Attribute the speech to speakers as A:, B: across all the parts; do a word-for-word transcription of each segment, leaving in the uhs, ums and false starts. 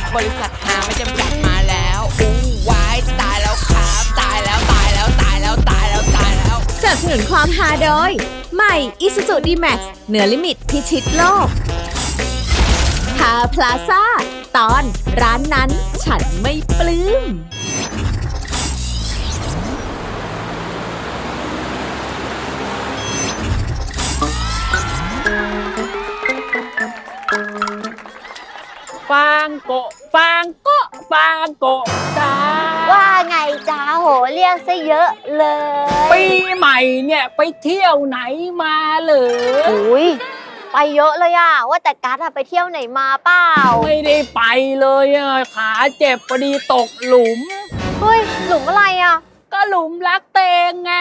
A: บริษัทหาไม่จำกัดมาแล้วอู้วายตายแล้วครับตายแล้วตายแล้วตายแล้วตายแล้วตายแล้ว
B: สนับสนุนความฮาโดยใหม่ Isuzu D-Max เหนือลิมิตพิชิตโลกฮาพลาซ่าตอนร้านนั้นฉันไม่ปลื้ม
C: ฟางโกะฟางโกะฟางโกะจ้า
D: ว่าไงจ้าโหเรียกซะเยอะเลย
C: ปีใหม่เนี่ยไปเที่ยวไหนมาเหรอ
D: อุ้ยไปเยอะเลยอะว่าแต่กัสอะไปเที่ยวไหนมาเปล่า
C: ไม่ได้ไปเลยอะขาเจ็บพอดีตกหลุม
D: เฮ้ยหลุมอะไรอะ
C: ก็หลุมรักเตงไง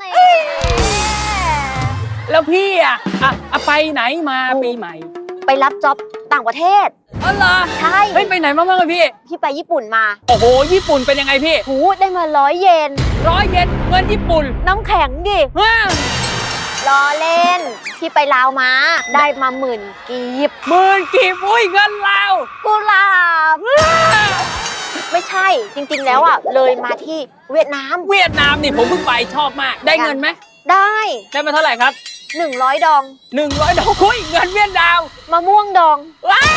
C: แล้วพี่อะอะไปไหนมาปีใหม่
D: ไปรับจ็อบต่างประเทศ
C: อ๋อเหรอ
D: ใช่
C: เฮ้ยไปไหนมาบ้างอะพี่
D: พี่ไปญี่ปุ่นมา
C: โอ้โหญี่ปุ่นเป็นยังไงพี่
D: หูได้มาร้อยเยน
C: ร้อยเยนเงินญี่ปุ่น
D: น้ำแข็งดิล้อเล่นพี่ไปลาวมาได้มาหมื่นกีบ
C: หมื่นกีบอุ้ยเงินลาว
D: กุหลาบไม่ใช่จริงๆแล้วอ่ะเลยมาที่เวียดนาม
C: เวียดนามนี่ผมเพิ่งไปชอบมากได้เงินไหม
D: ได้
C: ได้มาเท่าไหร่ครับ
D: หนึ่งร้อยดอง
C: หนึ่งร้อยดองคุยเงินเวียดนาม
D: มะม่วงดองว้าย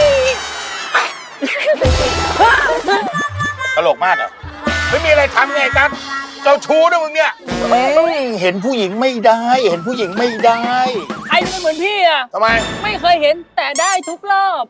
E: ตลกมากอ่ะไม่มีอะไรทำไงกันเจ้าชู้นะมึงเนี่ยเห็นผู้หญิงไม่ได้เห็นผู้หญิงไม่ได้
C: ใครไม่เหมือนพี่อ่ะ
E: ทำไม
C: ไม่เคยเห็นแต่ได้ทุกรอบ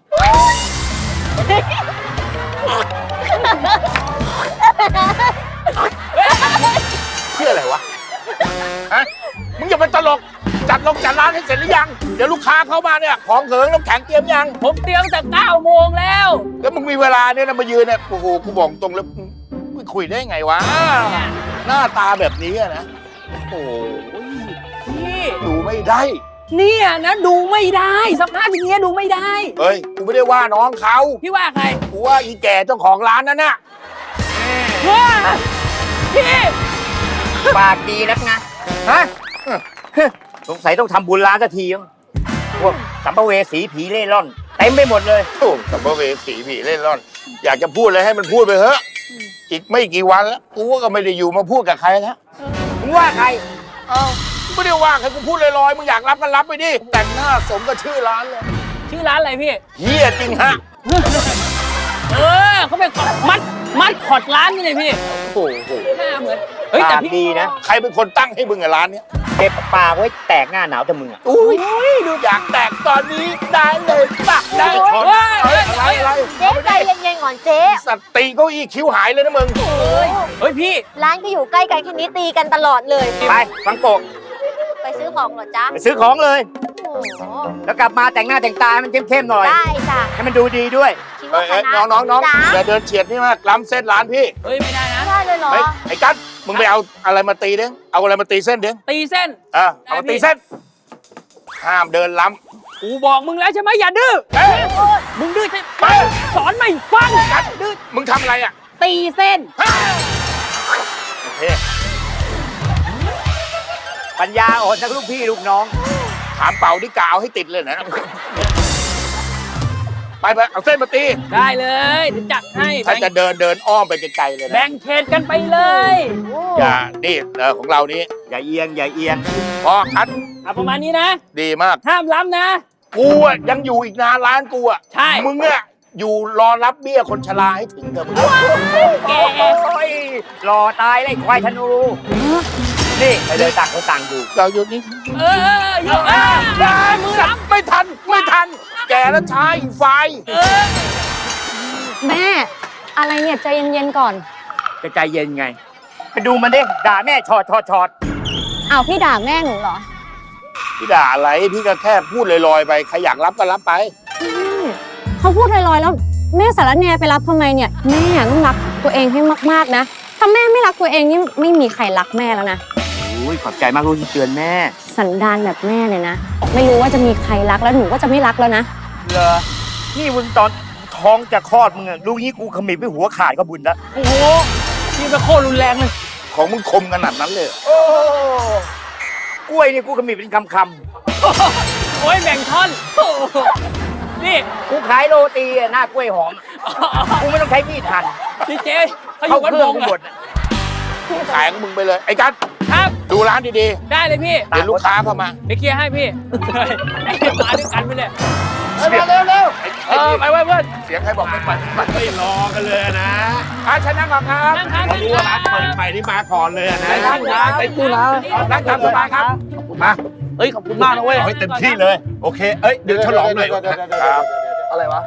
E: เพื่ออะไรวะฮะมึงอย่าไปตลกจัดลงจัดร้านให้เสร็จหรือยังเดี๋ยวลูกค้าเข้ามาเนี่ยของเขิงน้ำแข็งเตรียมยัง
C: ผมเตรียมแต่เก้าโมงแล้ว
E: แล้วมึงมีเวลาเนี่ยนะมายืนเนี่ยโอ้โหกูบอกตรงแล้วมึงคุยได้ไงวะหน้าตาแบบนี้นะโอ้ย
C: นี่
E: ดูไม่ได้
C: เนี่ยนะดูไม่ได้สภาพอย่างเงี้ยดูไม่ได้
E: เฮ้ยกูไม่ได้ว่าน้องเขา
C: พี่ว่าใคร
E: กูว่าอีแก่เจ้าของร้านนั่นน่ะ
C: ว้าพี่
F: ปากดีนักนะฮะสงสัยต้องทำบุญร้านสักทีพวกสัมภเวสีผีเล่ร่อนเต็มไปหมดเลย
E: โอ้สัมภเวสีผีเล่ร่อนอยากจะพูดอะไรให้มันพูดไปเถอะอีกไม่กี่วันแล้วกูก็ไม่ได้อยู่มาพูดกับใครแล้ว
F: มึงว่าใคร
E: เอ้าไม่ได้ว่าใครกูพูดลอยๆมึงอยากรับก็รับไปดิแต่งหน้าสมกับชื่อร้านเลย
C: ชื่อร้านอะไรพี่
E: เฮียจริงฮะ
C: เออเขาเป็นมัดมัดขอดร้านนี่เลยพี่
E: โอ้โห
C: หน้าเหมือน
F: เฮ้ยแต่พี่ดีนะ
E: ใครเป็นคนตั้งให้มึงกับร้านเนี้ย
F: เก็บปากไว้แตกหน้าหนาวแต่มึงอ่ะ
E: อุ้ยดูอยากแตกตอนนี้ได้เลยปะได้อะไรอะไร
D: เจ๊ใจเย็นๆก่อนเจ๊
E: สติเก้าอี้คิ้วหายเลยนะมึง
C: เฮ้ยพี่
D: ร้านก็อยู่ใกล้กันแค่นี้ตีกันตลอดเลย
F: ไปฟังโกะ
D: ไปซื้อของเหรอจ๊ะ
F: ไปซื้อของเลยแล้วกลับมาแต่งหน้าแต่งตามันเข้มๆหน่อย
D: ได้จ้ะ
F: ให้มันดูดีด้วย
E: น้องน้องน้องอย่าเดินเฉียดนี่มากล้ำเส้นร้านพี่
C: เฮ้ยไม่ได้นะ
D: ได้เลยเหรอ
E: ไอ้กั๊ดมึงไปเอาอะไรมาตีเด้งเอาอะไรมาตีเส้นเด้ง
C: ตีเส้น
E: เออเอามาตีเส้นห้ามเดินล้
C: ำกูบอกมึงแล้วใช่ไหมอย่าดื้อมึงดื้อใช่ไหมสอนไม่ฟัง
E: กั๊ดดื้อมึงทำอะไรอ่ะ
C: ตีเส้น
E: โอเค
F: ปัญญาอ่อนทั้งลูกพี่ลูกน้อง
E: ถามเป่าดิกาวให้ติดเลยนะไปไปเอาเส้นมาตี
C: ได้เลยเดี๋ยวจัดให้
E: ถ้าจะเดินเดินอ้อมไปไกลๆเลยนะ
C: แบ่งเขตกันไปเลย
E: อย่านี่เออของเรานี้
F: อย่าเอียงอย่าเอียง
E: พอคัด
C: ประมาณนี้นะ
E: ดีมาก
C: ห้ามล้ำนะ
E: กูอ่ะยังอยู่อีกนานร้านกูอ่ะ
C: ใช่
E: มึงเนี่ยอยู่รอรับเบี้ยคนชราให้ถึงเถอะมึง
F: แกรอตายเลยควายธนูนี่ไปเลยต่างคนต่างอยู่
E: เราอยู่นี่
C: เอออยู่เออ
E: มือรับไม่ทันไม่ทันแกแล้วช้าอีกไฟ
D: แม่อะไรเนี่ยใจเย็นๆก่อน
F: จะใจเย็นไงไปดูมันดิด่าแม่ชอดชอดชอด
D: อ้าวพี่ด่าแม่หนูเหรอ
E: พี่ด่าอะไรพี่ก็แค่พูดลอยๆไปใครอยากรับก็รับไป
D: เขาพูดลอยๆแล้วแม่สารแหน่ไปรับทำไมเนี่ยแม่ต้องรักตัวเองให้มากๆนะถ้าแม่ไม่รักตัวเองนี่ไม่มีใครรักแม่แล้วนะ
F: อุ้ยขอบใจมากลูกที่เตือนแม่
D: สันดานแบบแม่เลยนะไม่รู้ว่าจะมีใครรักแล้วหนูก็จะไม่รักแล้วนะ
F: เหรอนี่มึงตอนท้องจะคลอดมึงอะลูกนี้กูขมิบไปหัวขาดก็บุญละ
C: โอ้โหนี่เป็นโคตรรุนแรงเลย
E: ของมึงคมขนาดนั้นเลย
F: โอ้กล้วยนี่กูขมิบเป็นคำค
C: ำโอ้ยแบ่งท่อนนี่
F: กูขายโรตีหน้ากล้วยหอมกูไม่ต้องใช้มีดหั่น
C: พี่เจเขาอยู่วัดบง
F: เข้าเครื่องหมด
E: ขายของมึงไปเลย ไอ้กัส
C: ครับ
E: ดูร้านดี
C: ได้เลยพี่
E: ๆ เดี๋ยวลูกค้าเข้ามา
C: เดี๋ยวเคลียร์ให้พี่ไอ้มาด้วยกันไปเนี่ย
E: เร็วเร็วเร็ว
C: เออไปไว้เพื่อน
E: เสียงใครบอกไม่ปัดปัด
G: ไม่รอกันเลยนะ
E: อาชนะก่อนครับ
C: นั่งทาน
G: เขารู้ว่าร้านเปิดใหม่นี่มาก่อนเลยนะ
C: ไปนั่งทานไปตู้นะ
E: นั่งตามสบายครับ
G: มา
C: เฮ้ยขอบคุณมากนะเว้ย
G: เอาให้เต็มที่เลย โอเค เอ้ย เดี๋ยวฉลองหน่อย
E: ครับ
C: อะไรวะ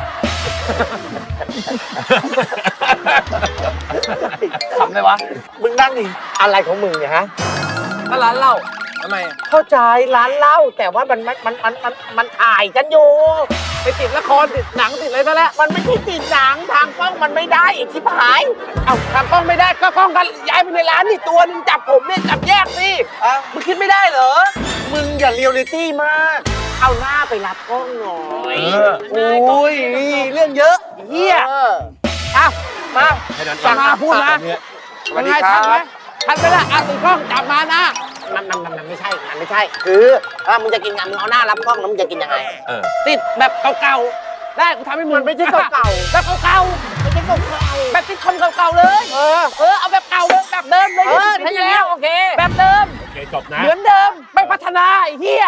C: ขำเลยวะ
F: มึงนั่งดิอะไรของมึงเนี่ยฮะ
C: ก็ร้านเหล้าทำไมอะ
F: เข้าใจร้านเหล้าแต่ว่ามันมันมันมันมันมันถ่ายกันอยู่
C: ไปติดละครติดหนังติดอะไรซะแล้ว
F: มันไม่ใช่ติดหนังทางกล้องมันไม่ได้อีกที่หาย
C: เอาทางกล้องไม่ได้ก็กล้องกันย้ายไปในร้านนี่ตัวนึงจับผมเนี่ยจับแยกสิมึงคิดไม่ได้เหรอ
F: มึงอย่าเรียลลิตี้มาก เอาหน้าไปรับกล้องหน่อย
C: โอ้ยเรื่องเยอะเฮีย
F: เออ
C: อ่ะมา
G: ให้นั้น
C: สั่งมาพูดนะ
E: สวัสดีครับ
C: ทันไหมทันไปละอ่ะติดกล้องจับมานะ
F: มันมันมันมันไม่ใช่ มันไม่ใช่ คือถ้ามึงจะกินงานมึงเอาหน้ารับกล้องแล้วมึงจะกินยังไง
G: เออ
C: ติดแบบเก่าๆได้กูทำให้มึง
F: มันไม่ใช่เก่าๆ
C: แบบเก่า
F: ไม่ใช่เก่า
C: ๆแบบติดคอมเก่าๆเลย
F: ๆเออ
C: เออเอาแบบเก่าเลยแบบเดิมเลย
F: เออ
C: ถ้าอย่างนี้โอเค แบบเดิม
G: โอเค จบนะ
C: เหมือนเดิมไม่พัฒนาไอ้เหี้ย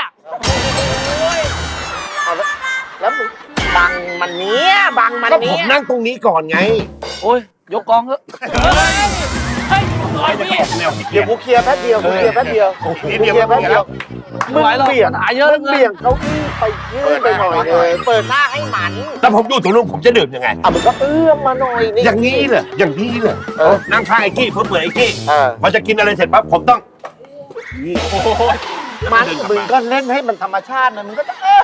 F: เอาแล้วแล้วมึงบังมันเนี้ยบังมัน
G: ก็ผ
F: เนี้
G: ม
F: ย
G: นั่งตรงนี้ก่อนไง
C: โอ้ยยกกองเถอะเฮ้ยเฮ้ยลอยพี่
G: แนวพี่เกี
F: เดี๋
G: ย
F: ยว
G: ร์
F: กูเคลียร์แป๊บเดียวกูเคลียร์แป๊บเดียว
G: โอ้โห
E: นิดเดียว
F: เคลียร์แป๊บเดียว
C: ไม่ไหวหรอก
F: เบี่ยง
C: ปัญหาเยอะ
F: มึงเบี่ยงเก้าอี้ไปยื่นไปหน่อยเลยเปิดหน้าให้หมัน
G: แล้วผมอยู่ตรงนู้นผมจะดื่มยังไง
F: อ่ะมึงก็เอื้อมมาหน่อยนี่
G: อย่างนี้เหรออย่างนี้เหรอ
F: เออ
G: นั่งข้างไอ้กี้เพื่อเปิดไอ้กี้
F: เออ
G: พอจะกินอะไรเสร็จปั๊บผมต้อง
F: มันมึงก็เล่นให้มันธรรมชาตินะมึงก็จะเอ๊ะ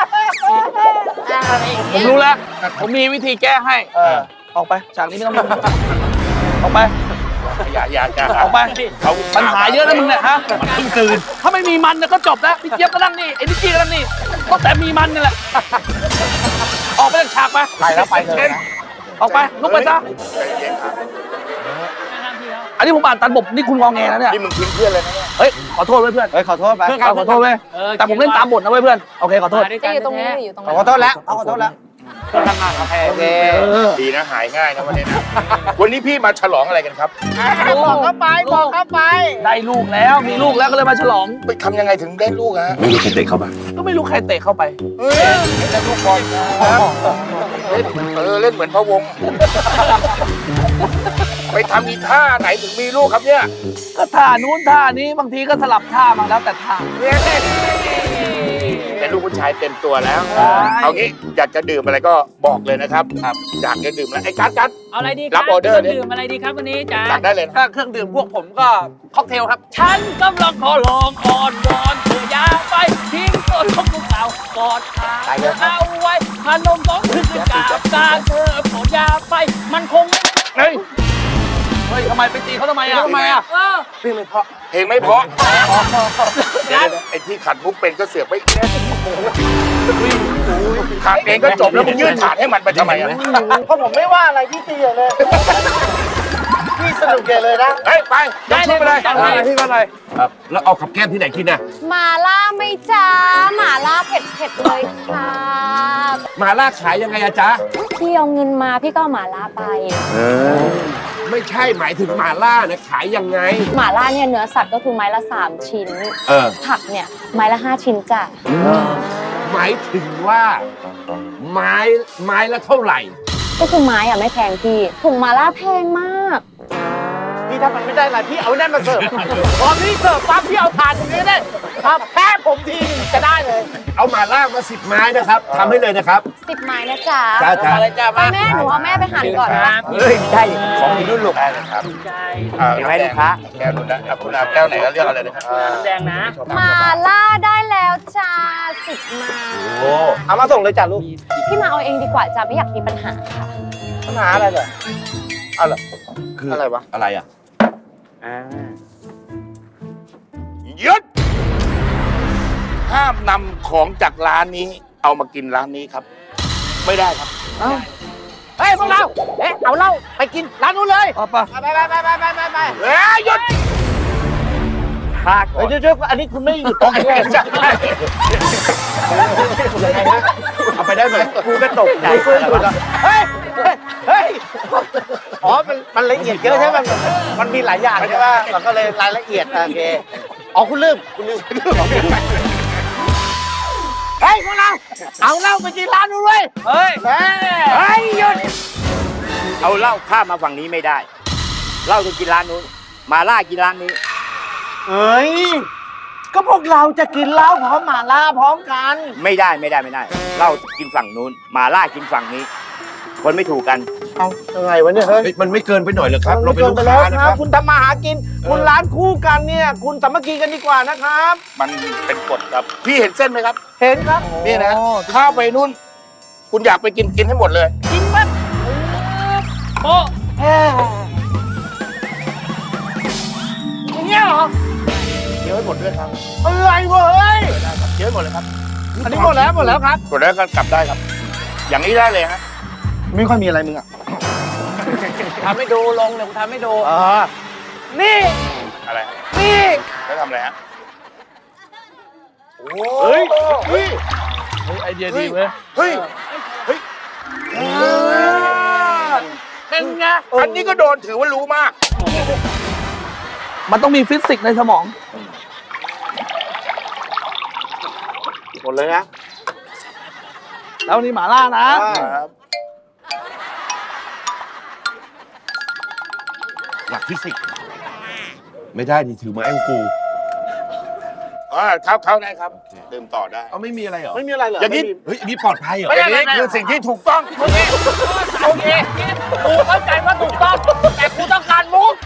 F: อะไรอย่าง
C: ผ
F: เงี้
C: ม
F: ย
C: รู้แล้ว ผมมีวิธีแก้ให้
F: เออ
C: ออกไปฉากนี้ไม่ต้องดูออกไป
E: อย่าอย่าอย่า
C: ออกไป
E: เขา
C: ปัญหาเยอะนะมึงเนี่ยฮะ
G: มันเพิ่งตื่น
C: ถ้าไม่มีมันเนี่ยก็จบแล้วพี่เจี๊ยบก็นั่งนี่ไอ้นิกกี้ก็นั่งนี่ก็แต่มีมันนี่แหละ ออกไปจากฉากไป
F: ไปแล้วไปเลยนะ
C: ออกไปลุกไปซะ
E: ใจเย็นครับ
C: อันนี้ผมอ่านตันบทนี่คุณงอแงแล้วเนี่ย
E: นี่มึงทิ้งเพื่อนเลยนะเนี่ย
C: เฮ้ยขอโทษไว้เพื่อน
F: เฮ้ยขอโทษไป
C: เพื่อนขอโทษไว้ยแต่ผมเล่นตามบทนะเว้ยเพื่อนโอเคขอโทษ
D: จะอยู่ตรงนี้หรืออยู่ตรง
F: ข
D: นี้
F: อโทษแล้วขอโทษแล้ว
C: เพื่อนทำงานกับแพร
F: โอเค
E: ดีนะหายง่ายนะวันนี้นะ วันนี้พี่มาฉลองอะไรกันครับ
F: บอกเข้าไปบอกเข้าไป
C: ได้ลูกแล้วมีลูกแล้วก็เลยมาฉลอง
E: ไปทำยังไงถึงได้ลูกฮะ
G: ไม่รู้ใครเตะเข้ามา
C: ก็ไม่รู้ใครเตะเข้าไป
E: เฮ้ยได้ลูกบอลครับเล่นเออเล่นเหมือนพะวง ไปทำอีท่าไหนถึงมีลูกครับเนี่ย
C: ก็ท่านู้นท่านี้บางทีก็สลับท่ามาแล้วแต่ท่า
E: เป็นลูกผู้ชายเต็มตัวแล้ว
C: ใช่
E: เอางี้อยากจะดื่มอะไรก็บอกเลยนะครับครับอยากจะดื่มอะไรไอ้กัสกัส
H: เอาอะไรดีค
E: รั
H: รั
E: บบ ออเดอร์ดิ
H: ดื่มอะไรดีครับวันนี้จ๋า
E: จัดได้เลยนะ
C: ถ้าเครื่องดื่มพวกผมก็ค็อกเทลครับ
H: ฉันกำลังขอลองคอนวอนเธออย่าไปทิ้งตัวชมลูกสาวกอดขาเธอเอาไว้พานมสองคืนคืนกาบตาเธอโปรดอย่าไปมันคงไม่
C: เฮ้ย เฮ้ยทำไมไปตีเขาทำไมอ่ะทำไมอ่ะ
H: เออ
E: เพลงไม่เพราะเพลงไม่เพราะเดี๋ยวๆไอ้ที่ขัดมุกเป็นก็เสือกไปขาดเองก็จบแล้วมึงยื่นถาดให้มันไปทำไมอ่ะ
F: เพราะผมไม่ว่าอะไรพี่ตีเลย พี่สนุกแกเลยนะ
E: เฮ้ยไปยกชุดไปเลย
H: ได้เลย
C: พี่มาเลย
G: ครับ แล้วเอากับแก้มที่ไหนกินน่ะ
D: หมาล่าไหม่จ้าหมาล่าเผ็ดเผ็ดๆเลยค่ะ
G: หมาล่าขายยังไงอะจ๊ะ
D: พี่เอาเงินมาพี่ก็เอาหมาล่าไป
G: ไม่ใช่หมายถึงหมาล่านะขายยังไง
D: หมาล่าเนี่ยเนื้อสัตว์ก็คือไม้ละสามชิ้น
G: เออ
D: ผักเนี่ยไม้ละห้าชิ้นจ้ะ
G: หมายถึงว่า ไม้ไม้ละเท่าไหร่
D: ก็คือไม้อะไม่แพงพี่ถุงหมาล่าแพงมาก
F: พี่ถ้ามันไม่ได้อะไรพี่เอานั่นมาเสิร์ฟพอพี่เสิร์ฟปั๊บพี่เอาถาดอย่างนี้ได้ครับแพ้ผมทีนึงจะได้เลย
G: เอาหมาล่ามาสิบไม้นะครับทำให้เลยนะครับ
D: สิบไม้นะจ๊ะ
G: จ้าจ้า
C: อะไรจ้า
D: ไป
C: มา
D: แม่หนูเอาแม่ไปหั่นก่อน
H: ค
D: นะ
H: รับ
F: เฮ้ยได้ของมีรุ่นลูก
E: ได้เลยครับ
H: ใช่
E: อ่า
F: เห็นไหมลูกค้า
E: แก้วนู้นนะอ่ะคุณอาแก้วไหนก็เรียกอะไรนะครับ
H: น้ำแดงนะ
D: หมาล่าได้แล้วจ้าสิบไม้
G: โอ้
F: เอามาส่งเลยจ้ะลูก
D: พี่มาเอาเองดีกว่าจ้าไม่อยากมีปัญหาค่ะ
F: ปัญหาอะไรเหรอเอาเหรอ
G: คือ
F: อะไรวะ
G: อะไรอ่ะ
E: หยุดห้ามนำของจากร้านนี้ เอามากินร้านนี้ครับ ไม่ได้ครับ
C: เฮ้ยพวกเรา เอ๊ะเอาเหล้าไปกินร้านนู้นเลยเอาปะ
F: ไปไปไปไปไปไปไป
E: เฮ้ยหยุด
F: พาก่อน
E: เดี๋ยวเดี๋ยวอันนี้คุณไม่หยุดตรงนี้ใช่ไหมเอาไปได้ไหม
F: กูก็ตกใจ
E: เฮ้ยเฮ้ยอ๋อมันมันละเอียดเยอะใช่ไหมมันมันมีหลายอย่างใช่ไหมมันก็เลยรายละเอียดโอเคอ๋อคุณลืมคุณลืมเฮ้ยพวกเราเอาเหล้าไปกินร้านนู้นเว้ย
H: เฮ้ย
E: เฮ้ย
F: เฮ้ยหยุดเอาเหล้าข้ามมาฝั่งนี้ไม่ได้เหล้าต้องกินร้านนู้นมาล่ากินร้านนี้
E: เอ้ยก็พวกเราจะกินเหล้าพร้อมหม่าล่าพร้อมกัน
F: ไม่ได้ไม่ได้ไม่ได้เหล้ากินฝั่งนู้นมาล่ากินฝั่งนี้ คนไม่ถูกกัน
E: เอายังไงวะเนี่ยเฮ้ย
G: เฮ้ยมันไม่เกินไปหน่อยเหรอครับ
E: มั
G: เรา
E: น
G: เป็น
E: กิ
G: ลูก
E: ไป
G: ค้า
E: แล้ว
G: นะ
E: ค
G: ค
E: รั
G: รั
E: บบ คุณทำมาหากิน คุณร้านคู่กันเนี่ย คุณสามัคคีกันดีกว่านะครับ มันเป็นกฎครับ พี่เห็นเส้นไหมครับ เห็นครับ นี่นะ ข้าวไปนู่น คุณอยากไปกินกินให้หมดเลย
H: กินปั๊บโป๊ะ
E: อย่างเงี้ยเหรอเดี๋ยวให้หมดด้วยครับ อะไรวะเฮ้ยเดี๋ยวให้หมดเลยครับ อันนี้หมดแล้วหมดแล้วครับ หมดแล้วก็กลับได้ครับ อย่างนี้ได้เลยฮะ ไม่ค่อยมีอะไรมึงอ่ะ
H: ทำให้ดูลงเดี๋ยวกูทำให้ดู
E: อ่า
H: นี่
E: อะไร
H: นี่
E: แล้วทำอะไรฮะ
C: เฮ้ย
E: เฮ้ย
C: เฮ้ยไอเดียดีเว้ย
E: เฮ้ย เฮ้ย
H: เป็นไง
E: อันนี้ก็โดนถือว่ารู้มาก
C: มันต้องมีฟิสิกส์ในสมอง
E: หมดเลยนะ
C: แล้วนี่หมาล่านะ
E: ครับ
G: หลักฟิสิกส์ไม่ได้ดิถือไม้ของกู
E: อ่าเข้าเข้าได้ครับดื่มต่อได้
G: เอาไม่มีอะไรเหรอ
E: ไม่มีอะไรเหรอ
G: อย่างนี้
E: ไม่มี
G: เฮ้ยอันนี้ปลอดภัยเหรอ
E: อย่างนี้คือสิ่งที่ถูกต้อง
H: โอเคโอเคกูเข้าใจว่าถูกต้อง แต่กูต้องการมุก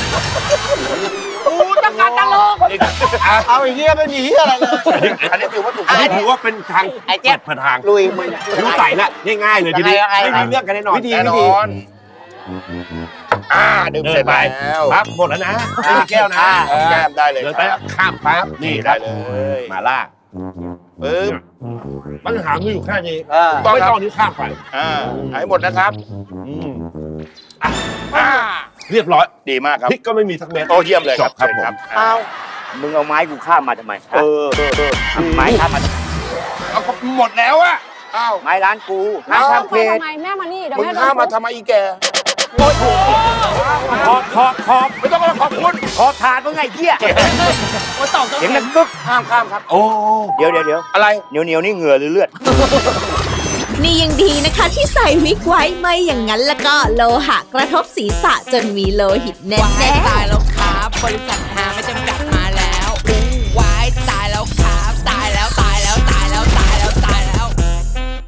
H: กูต้องการตลก
E: เอาอย่างเงี้ยไม่มีเหี้ยอะไรเลย อันนี้ถือว่าถูก
G: อัน
E: ต้อ
G: นี้
E: ง
G: ถือว่าเป็นทาง
H: ไอ้เจี๊ยบ
G: เปิดทาง
E: ลุยมึง
G: รู้ใส่ละง่ายๆเลยทีนี้
H: ยังไงยังไง
G: ไม่มีเรื่องกันแน่นอน
E: วิธีแน่นอนอ่าดื่ม
G: เดิ
E: เสร็
G: น
E: จ
G: ไป
E: แล้ว
G: ครับหมดแล้วนะไม่มีแก้วนะ
E: เอาแก้มได้เลย
G: เดินไป
E: ครับ
G: ข้ามปั๊บนี่ค
E: ได้
G: รับ
E: เลย
G: มาล่า
E: ปึ๊บ
G: ปัญหาคืออยู่แค่นี้
E: ต้อง
G: ไม่
E: ครับ
G: ต้องนี้ข้ามไป
E: อ่าให้หมดนะครับ
G: อืม
E: อ่า
G: เรียบร้อย
E: ดีมากครับ
G: พริกก็ไม่มีสักเม็ด
E: โอ้เยี่ยมเลยครับ
G: จบครับ
E: เชิญ
G: ผม
E: เอา
F: มึงเอาไม้กูข้ามมาทำไม
E: เออเออเออ
F: เอาไม้ข้ามมาทำไม
E: เอาก็หมดแล้วอะอ้าว
F: ไม้ร้านกูห้าม
E: เอา
F: ข้ามเข
D: ไป
F: ต
D: ทำไมแม่มานี่เดี๋ยว
E: มึง
D: แม่โด
E: ข้าม
D: น
E: มา
D: ทุบ
E: ทำไมอีแก
F: ขอบขอบขอบ
E: ไม่ต้องมาขอบคุณ
F: ขอบถาดมึงไงเหี้ย
H: โอ้ตอบตรง
F: เสียง
H: นี้
F: ดังกึก
E: ห้ามข้ามครับ
G: โอ้
F: เดี๋ยวเดี๋ยวเดี๋ยว
E: อะไร
F: เหนียวเหนียวนี่เหงื่อหรือเลือด
B: นี่ยังดีนะคะที่ใส่วิกไว้ไม่อย่างนั้นแล้วก็โลหะกระทบศีรษะจนมีโลหิตแน่
A: วาย
B: ๆ
A: ตายแล้วครับบริษัท